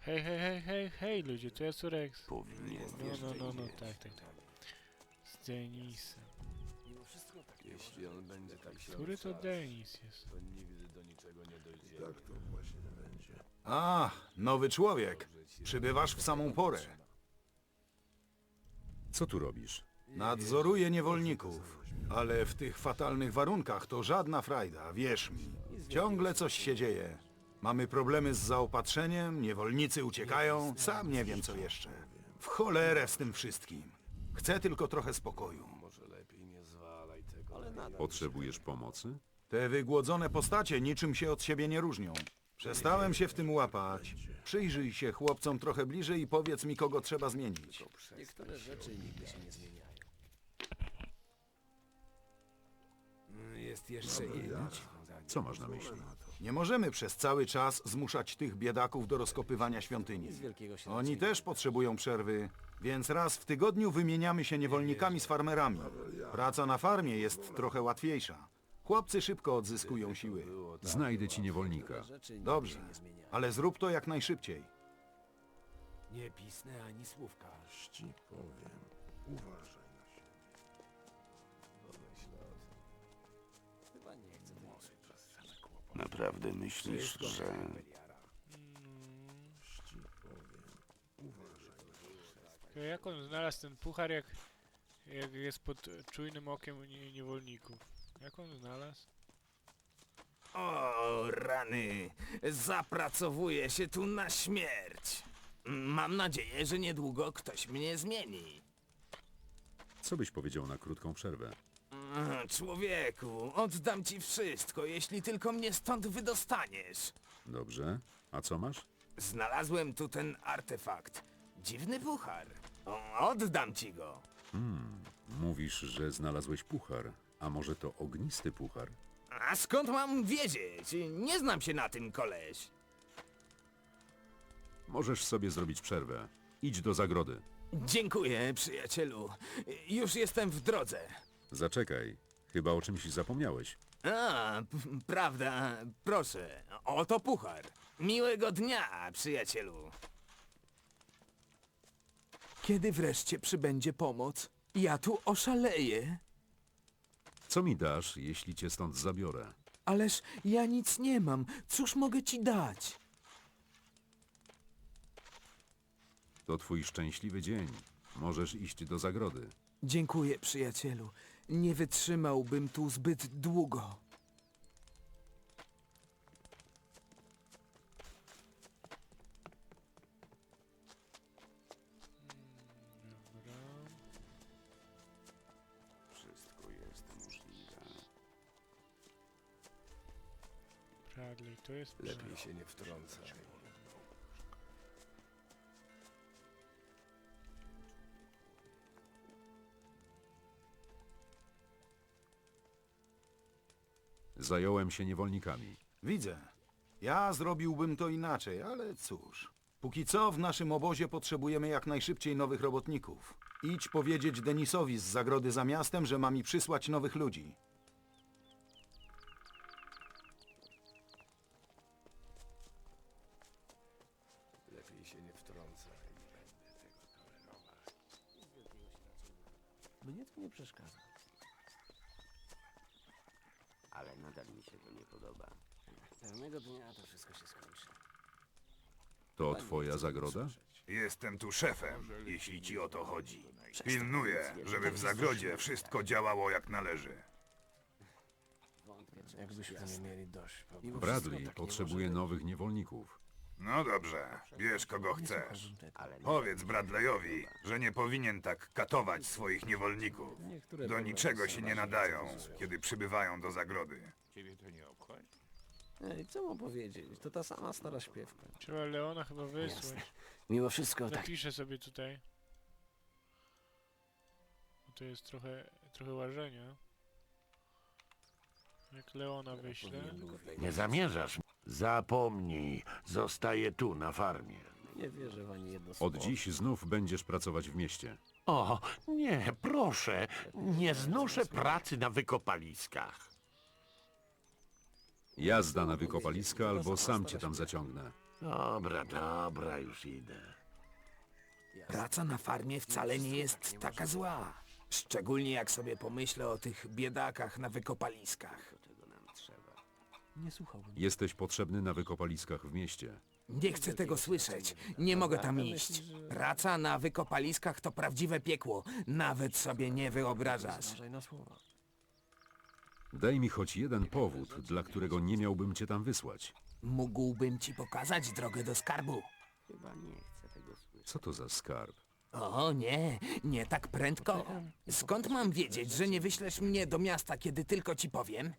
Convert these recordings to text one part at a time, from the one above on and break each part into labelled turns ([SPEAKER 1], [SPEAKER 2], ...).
[SPEAKER 1] Hej, hej, hej, hej, hej, ludzie, to jest Rex.
[SPEAKER 2] Powinien.
[SPEAKER 1] No, tak. Z Denisem.
[SPEAKER 2] Jeśli on będzie tak się
[SPEAKER 1] Który to Denis jest?
[SPEAKER 2] to nigdy do niczego nie dojdzie.
[SPEAKER 3] A, nowy człowiek. Przybywasz w samą porę.
[SPEAKER 4] Co tu robisz?
[SPEAKER 3] Nadzoruję niewolników. Ale w tych fatalnych warunkach to żadna frajda, wierz mi. Ciągle coś się dzieje. Mamy problemy z zaopatrzeniem, niewolnicy uciekają, sam nie wiem co jeszcze. W cholerę z tym wszystkim. Chcę tylko trochę spokoju.
[SPEAKER 2] Może lepiej nie zwalaj tego. Ale
[SPEAKER 4] Potrzebujesz pomocy?
[SPEAKER 3] Te wygłodzone postacie niczym się od siebie nie różnią. Przestałem się w tym łapać. Przyjrzyj się chłopcom trochę bliżej i powiedz mi, kogo trzeba zmienić.
[SPEAKER 2] niektóre rzeczy nigdy się nie zmieniają. Jest jeszcze jedna.
[SPEAKER 4] Co masz na myśli?
[SPEAKER 3] Nie możemy przez cały czas zmuszać tych biedaków do rozkopywania świątyni. Oni też potrzebują przerwy, więc raz w tygodniu wymieniamy się niewolnikami z farmerami. Praca na farmie jest trochę łatwiejsza. Chłopcy szybko odzyskują siły.
[SPEAKER 4] Znajdę ci niewolnika.
[SPEAKER 3] Dobrze, ale zrób to jak najszybciej.
[SPEAKER 2] Nie pisnę ani słówka.
[SPEAKER 5] Ci powiem, uważaj na siebie.
[SPEAKER 6] Naprawdę myślisz, że...
[SPEAKER 1] To jak on znalazł ten puchar, jak jest pod czujnym okiem niewolników? Jak on znalazł?
[SPEAKER 7] O, rany! Zapracowuję się tu na śmierć. Mam nadzieję, że niedługo ktoś mnie zmieni.
[SPEAKER 4] Co byś powiedział na krótką przerwę?
[SPEAKER 7] Człowieku, oddam ci wszystko, jeśli tylko mnie stąd wydostaniesz.
[SPEAKER 4] Dobrze. A co masz?
[SPEAKER 7] Znalazłem tu ten artefakt. Dziwny puchar. Oddam ci go.
[SPEAKER 4] Mówisz, że znalazłeś puchar. A może to ognisty puchar?
[SPEAKER 7] A skąd mam wiedzieć? Nie znam się na tym, koleś.
[SPEAKER 4] Możesz sobie zrobić przerwę. Idź do zagrody.
[SPEAKER 7] Dziękuję, przyjacielu. Już jestem w drodze.
[SPEAKER 4] Zaczekaj. Chyba o czymś zapomniałeś.
[SPEAKER 7] Prawda. Proszę, oto puchar. Miłego dnia, przyjacielu. Kiedy wreszcie przybędzie pomoc? Ja tu oszaleję.
[SPEAKER 4] Co mi dasz, jeśli cię stąd zabiorę?
[SPEAKER 7] Ależ ja nic nie mam. Cóż mogę ci dać?
[SPEAKER 4] To twój szczęśliwy dzień. Możesz iść do zagrody.
[SPEAKER 7] Dziękuję, przyjacielu. Nie wytrzymałbym tu zbyt długo.
[SPEAKER 1] Dobra.
[SPEAKER 6] Wszystko jest możliwe.
[SPEAKER 1] Bradley, to jest...
[SPEAKER 2] Lepiej się nie wtrącaj.
[SPEAKER 4] Zająłem się niewolnikami.
[SPEAKER 3] Widzę. Ja zrobiłbym to inaczej, ale cóż. Póki co w naszym obozie potrzebujemy jak najszybciej nowych robotników. Idź powiedzieć Denisowi z zagrody za miastem, że ma mi przysłać nowych ludzi.
[SPEAKER 2] Lepiej się nie wtrącaj.
[SPEAKER 6] Mnie to nie przeszkadza. Ale nadal mi się to nie podoba. Pewnego dnia to wszystko się skończy.
[SPEAKER 4] To twoja zagroda?
[SPEAKER 8] Jestem tu szefem, jeśli ci o to chodzi. Pilnuję, żeby w zagrodzie wszystko działało jak należy.
[SPEAKER 2] Jakbyśmy nie mieli dość.
[SPEAKER 4] Bradley potrzebuje nowych niewolników.
[SPEAKER 8] No dobrze, bierz kogo chcesz. Powiedz Bradleyowi, że nie powinien tak katować swoich niewolników. Do niczego się nie nadają, kiedy przybywają do zagrody.
[SPEAKER 6] Ej, co mu powiedzieć? To ta sama stara śpiewka.
[SPEAKER 1] Trzeba Leona chyba wysłać.
[SPEAKER 6] Mimo wszystko tak.
[SPEAKER 1] Zapiszę sobie tutaj. Bo to jest trochę łażenia. Jak Leona wyślę.
[SPEAKER 9] Nie zamierzasz? Zapomnij, zostaję tu na farmie.
[SPEAKER 6] Nie wierzę w ani jedno
[SPEAKER 4] Od
[SPEAKER 6] słowo.
[SPEAKER 4] dziś znów będziesz pracować w mieście.
[SPEAKER 9] O, nie, proszę, nie znoszę pracy na wykopaliskach.
[SPEAKER 4] Jazda na wykopaliska albo sam cię tam zaciągnę.
[SPEAKER 9] Dobra, dobra, już idę.
[SPEAKER 7] Praca na farmie wcale nie jest taka zła. Szczególnie jak sobie pomyślę o tych biedakach na wykopaliskach.
[SPEAKER 6] Czego nam trzeba?
[SPEAKER 4] Jesteś potrzebny na wykopaliskach w mieście.
[SPEAKER 7] Nie chcę tego słyszeć. Nie mogę tam iść. Praca na wykopaliskach to prawdziwe piekło. Nawet sobie nie wyobrażasz.
[SPEAKER 4] Daj mi choć jeden powód, dla którego nie miałbym cię tam wysłać.
[SPEAKER 7] Mógłbym ci pokazać drogę do skarbu.
[SPEAKER 6] Chyba nie chcę tego słyszeć.
[SPEAKER 4] Co to za skarb?
[SPEAKER 7] O nie, nie tak prędko. Skąd mam wiedzieć, że nie wyślesz mnie do miasta, kiedy tylko ci powiem?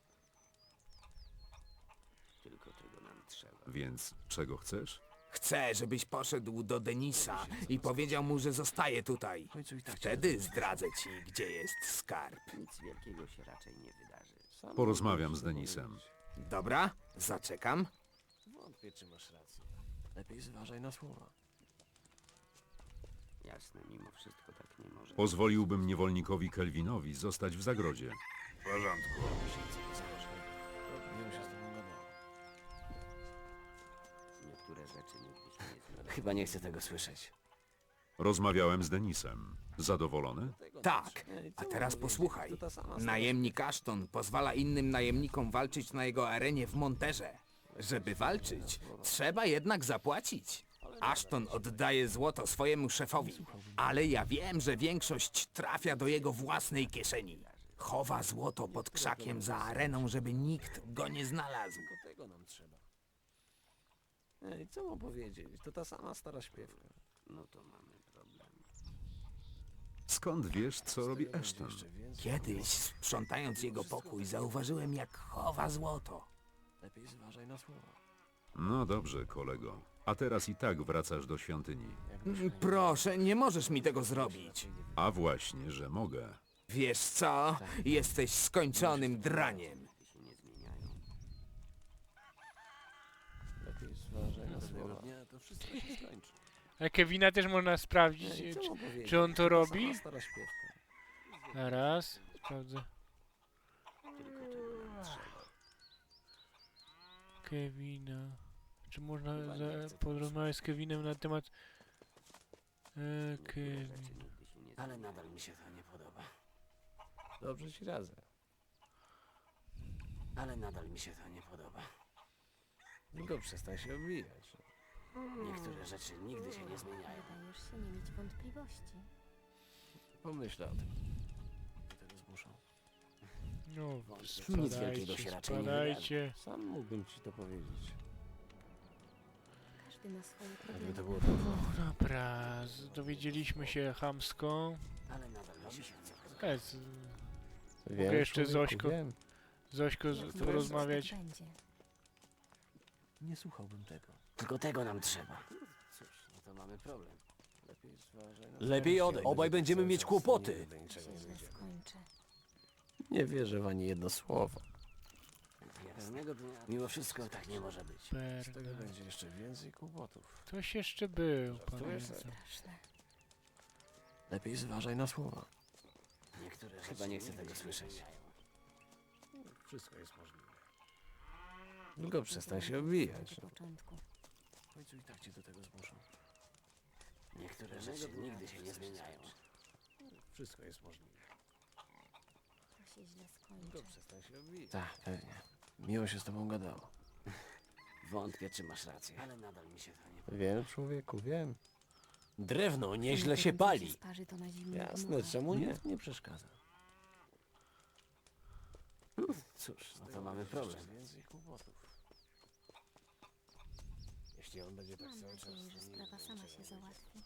[SPEAKER 6] Tylko czego nam trzeba.
[SPEAKER 4] Więc czego chcesz?
[SPEAKER 7] Chcę, żebyś poszedł do Denisa i powiedział mu, że zostaje tutaj. Wtedy zdradzę ci, gdzie jest skarb.
[SPEAKER 6] Nic wielkiego się raczej nie wydarzy.
[SPEAKER 4] Porozmawiam z Denisem.
[SPEAKER 7] Dobra, zaczekam.
[SPEAKER 2] Wątpię, czy masz rację. Lepiej zważaj na słowa.
[SPEAKER 6] Jasne, mimo wszystko tak nie może.
[SPEAKER 4] Pozwoliłbym niewolnikowi Kelvinowi zostać w zagrodzie.
[SPEAKER 8] W porządku.
[SPEAKER 2] Miło się z tobą gadało.
[SPEAKER 6] Niektóre rzeczy nigdy się nie zmieniają.
[SPEAKER 2] Chyba nie chcę tego słyszeć.
[SPEAKER 4] Rozmawiałem z Denisem. Zadowolony?
[SPEAKER 7] Tak, a teraz posłuchaj. Najemnik Ashton pozwala innym najemnikom walczyć na jego arenie w Monterze. Żeby walczyć, trzeba jednak zapłacić. Ashton oddaje złoto swojemu szefowi, ale ja wiem, że większość trafia do jego własnej kieszeni. Chowa złoto pod krzakiem za areną, żeby nikt go nie znalazł.
[SPEAKER 2] Tego nam trzeba. Ej, co mam powiedzieć? To ta sama stara śpiewka.
[SPEAKER 6] No to mamy problem.
[SPEAKER 4] Skąd wiesz, co robi Ashton?
[SPEAKER 2] Jeszcze więcej.
[SPEAKER 7] Kiedyś, sprzątając jego pokój, zauważyłem, jak chowa złoto.
[SPEAKER 2] Lepiej zważaj na słowa.
[SPEAKER 4] No dobrze, kolego. A teraz i tak wracasz do świątyni.
[SPEAKER 7] Proszę, nie możesz mi tego zrobić.
[SPEAKER 4] A właśnie, że mogę.
[SPEAKER 7] Wiesz co? Jesteś skończonym draniem.
[SPEAKER 6] Się nie zmieniają.
[SPEAKER 2] Lepiej zważaj na słowa. Dnia to wszystko się skończy.
[SPEAKER 1] A Kevina też można sprawdzić,
[SPEAKER 2] Ej, co mam powiedzieć?
[SPEAKER 1] czy on to robi.
[SPEAKER 2] Sama stara śpiewka.
[SPEAKER 1] Zaraz, sprawdzę.
[SPEAKER 6] Tylko czego nam trzeba.
[SPEAKER 1] Kevina. Czy można porozmawiać z Kevinem na temat... Kevin.
[SPEAKER 6] Rzeczy nigdy się nie
[SPEAKER 2] Ale nadal mi się to nie podoba. Dobrze ci radzę. Ale nadal mi się to nie podoba. Tylko przestań się obijać. Niektóre rzeczy nigdy się nie zmieniają.
[SPEAKER 10] Wydajesz się nie mieć wątpliwości.
[SPEAKER 2] Pomyślę o tym. Do tego zmuszą.
[SPEAKER 1] No,
[SPEAKER 2] Nic wielkiego się raczej nie
[SPEAKER 1] spadajcie.
[SPEAKER 2] Sam mógłbym ci to powiedzieć.
[SPEAKER 10] Każdy ma swoje
[SPEAKER 2] Jakby to
[SPEAKER 10] problemy.
[SPEAKER 2] było tak.
[SPEAKER 1] Dobra, dowiedzieliśmy się chamsko.
[SPEAKER 2] Ale nadal mi się nie podoba.
[SPEAKER 1] Jest,
[SPEAKER 2] Wiem,
[SPEAKER 1] mogę jeszcze
[SPEAKER 2] człowieku,
[SPEAKER 1] Zośko,
[SPEAKER 2] wiem.
[SPEAKER 1] Zośko
[SPEAKER 10] Jak mówisz,
[SPEAKER 1] porozmawiać.
[SPEAKER 10] tak będzie.
[SPEAKER 2] Nie słuchałbym tego.
[SPEAKER 6] Tylko tego nam trzeba.
[SPEAKER 2] Cóż, no to mamy problem. Lepiej zważaj na
[SPEAKER 11] Lepiej odejdź. Obaj będziemy mieć kłopoty.
[SPEAKER 10] To się źle skończy.
[SPEAKER 2] Nie wierzę w ani jedno słowo.
[SPEAKER 6] Pewnego dnia. Mimo wszystko tak nie może być.
[SPEAKER 2] Z tego
[SPEAKER 1] Perda.
[SPEAKER 2] będzie jeszcze więcej kłopotów.
[SPEAKER 1] Ktoś jeszcze był,
[SPEAKER 2] Żartujesz?
[SPEAKER 1] pamiętam.
[SPEAKER 10] Straszne.
[SPEAKER 2] Lepiej zważaj na słowa.
[SPEAKER 6] Niektóre
[SPEAKER 2] Chyba nie chcę tego słyszeć. Wszystko jest możliwe. Tylko przestań się obijać.
[SPEAKER 10] Na początku.
[SPEAKER 2] W końcu i tak cię do tego zmuszą.
[SPEAKER 6] Niektóre rzeczy nigdy się nie zmieniają.
[SPEAKER 2] Wszystko jest możliwe.
[SPEAKER 10] To się źle
[SPEAKER 2] Tylko
[SPEAKER 10] skończy.
[SPEAKER 2] przestań się obijać. Tak, pewnie. Miło się z tobą gadało.
[SPEAKER 6] Wątpię, czy masz rację. Ale nadal mi się to nie podoba.
[SPEAKER 2] Wiem, człowieku, wiem.
[SPEAKER 11] Drewno nieźle
[SPEAKER 10] Jak
[SPEAKER 11] się
[SPEAKER 10] więcej
[SPEAKER 11] pali.
[SPEAKER 10] sparzy, to na zimno
[SPEAKER 2] Jasne,
[SPEAKER 10] dmucha.
[SPEAKER 2] czemu nie? Nie przeszkadza.
[SPEAKER 6] Cóż, no to mamy problem.
[SPEAKER 2] Więcej kłopotów. Jeśli on będzie tak
[SPEAKER 10] Mam
[SPEAKER 2] cały czas...
[SPEAKER 10] nadzieję, że sprawa sama się załatwi.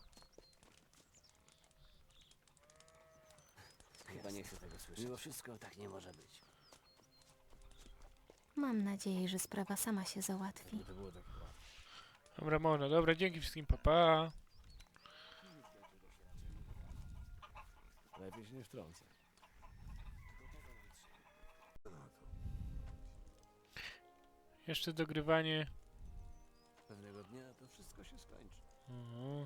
[SPEAKER 6] Chyba nie chcę tego słyszeć. Mimo wszystko tak nie może być.
[SPEAKER 10] Mam nadzieję, że sprawa sama się załatwi.
[SPEAKER 2] To było tak łatwe.
[SPEAKER 1] Dobra, można. Dobra, dzięki wszystkim, papa.
[SPEAKER 2] Lepiej się nie wtrącaj.
[SPEAKER 1] Jeszcze dogrywanie.
[SPEAKER 2] Pewnego dnia to wszystko się skończy.
[SPEAKER 1] Mhm.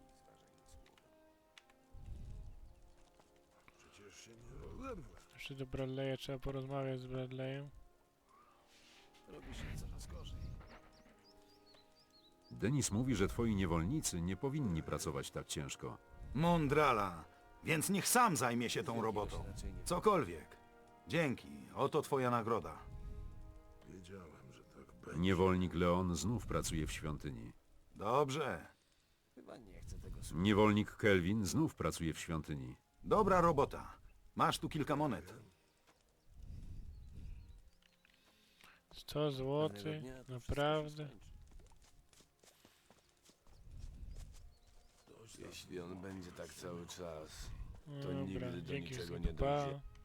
[SPEAKER 5] Przecież się nie rozerwę.
[SPEAKER 1] Jeszcze do Bradley'a trzeba porozmawiać z Bradleyem.
[SPEAKER 2] Robi się coraz gorzej.
[SPEAKER 4] Denis mówi, że twoi niewolnicy nie powinni pracować tak ciężko.
[SPEAKER 3] Mądrala. Więc niech sam zajmie się tą robotą. Cokolwiek. Dzięki. Oto twoja nagroda.
[SPEAKER 5] Wiedziałem, że tak będzie.
[SPEAKER 4] Niewolnik Leon znów pracuje w świątyni.
[SPEAKER 3] Dobrze.
[SPEAKER 4] Niewolnik Kelvin znów pracuje w świątyni.
[SPEAKER 3] Dobra robota. Masz tu kilka monet.
[SPEAKER 1] 100 złotych, naprawdę?
[SPEAKER 2] Jeśli on będzie tak cały czas, to
[SPEAKER 1] Dobra,
[SPEAKER 2] nigdy do
[SPEAKER 1] dzięki
[SPEAKER 2] niczego
[SPEAKER 1] za
[SPEAKER 2] nie dojdzie.
[SPEAKER 1] pa.